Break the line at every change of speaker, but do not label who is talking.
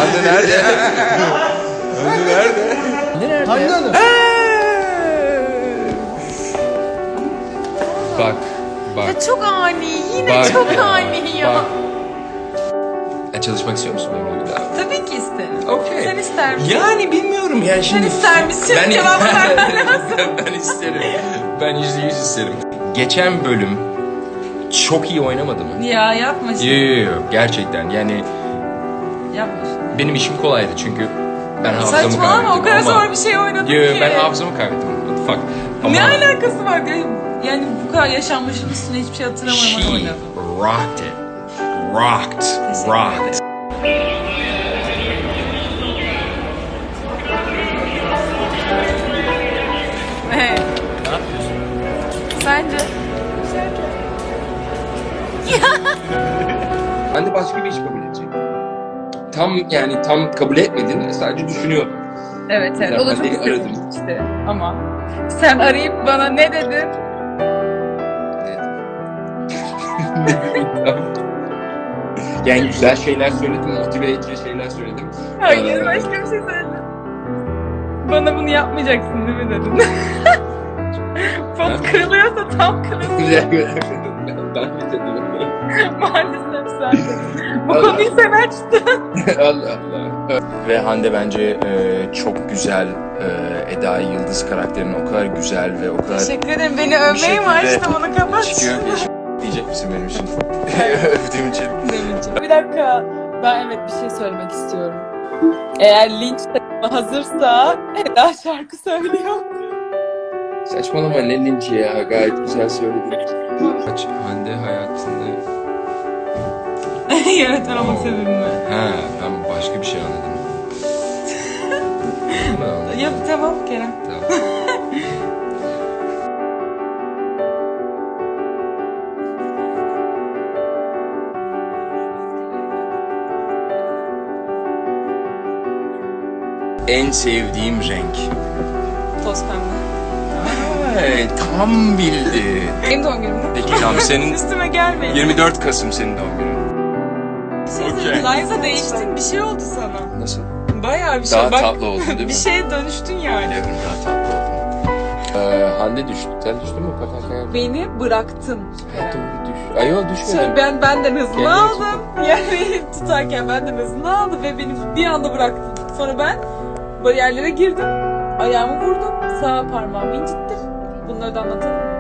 Hande nerede? Hande nerede?
Hande Hanım.
Bak.
Ya çok ani, yine
Bak
çok
ya,
ani ya.
bak. Çalışmak istiyor musun benimle bir daha?
Tabii ki isterim.
Okey.
Sen ister misin?
Yani bilmiyorum ya şimdi.
Sen ister misin?
Ben,
Cevap vermen lazım.
ben isterim. Ben %100 isterim. Geçen bölüm çok iyi oynamadı mı?
Ya yapma şimdi.
Yok gerçekten yani
Yapma şimdi.
benim işim kolaydı çünkü ben hafızamı kaybettim.
Saçmalama, o kadar
ama-
zor bir şey oynadın
Yo,
ki.
ben hafızamı kaybettim. What the fuck? Ama
Ne alakası var? Yani bu kadar yaşanmışın üstüne hiçbir şey hatırlamıyorum
she
oynadım.
rocked it. Rocked.
Teşekkür
Rocked.
Evet.
Ne yapıyorsun?
Sence?
Ben de başka bir iş kabul edecektim. Tam kabul etmedin, sadece düşünüyordum.
Evet evet.
Ya
O da
ben
çok
de
istedim
aradım.
işte. Ama sen arayıp bana ne dedin?
Yani güzel şeyler söyledim, motive edici şeyler söyledim.
Hayır, başka bir şey söyledim. Bana bunu yapmayacaksın değil mi dedin? Pot kırılıyorsa tam kırılsın.
Ben mi dedim?
Maalesef sen dedin. Bu konuyu sen açtın.
Allah Allah. Ve Hande bence çok güzel. Eda Yıldız karakterinin o kadar güzel ve o kadar...
Teşekkür ederim. Beni övmeye mi
şekilde
açtın? Onu kapat.
Çıkıyor. Diyecek misin benim için? Övdüğüm için.
Bir dakika. Ben evet bir şey söylemek istiyorum. Eğer linç takımı hazırsa Eda şarkı söylüyor.
Saçmalama ne linci ya, gayet güzel söyledin. Hande hayatında...
Yönetmen olmak sebebim mi?
Ha, ben başka bir şey anladım. Tamam.
Ya tamam Kerem.
Tamam. En sevdiğim renk.
Toz pembe.
Ay, tam bildin.
Benim doğum günüm mü?
Peki tamam, senin
Üstüme gelmeyin.
24 Kasım senin doğum günün.
Bir şey
Okey.
söyleyeyim. Liza değiştin. Bir şey oldu sana.
Nasıl?
Bayağı bir şey.
Daha
Bak,
tatlı oldun değil mi?
bir şeye dönüştün yani.
Devrim daha tatlı oldun. Hande düştü. Sen düştün mü? Paten
Beni bıraktın.
düş. Ay yok düşmedin.
Şöyle ben benden hızlı
Kendini
aldım. Yani tutarken benden hızlı aldı ve beni bir anda bıraktın. Sonra ben bariyerlere girdim. Ayağımı vurdum. Sağ parmağımı incittim. Bunları da anlatalım.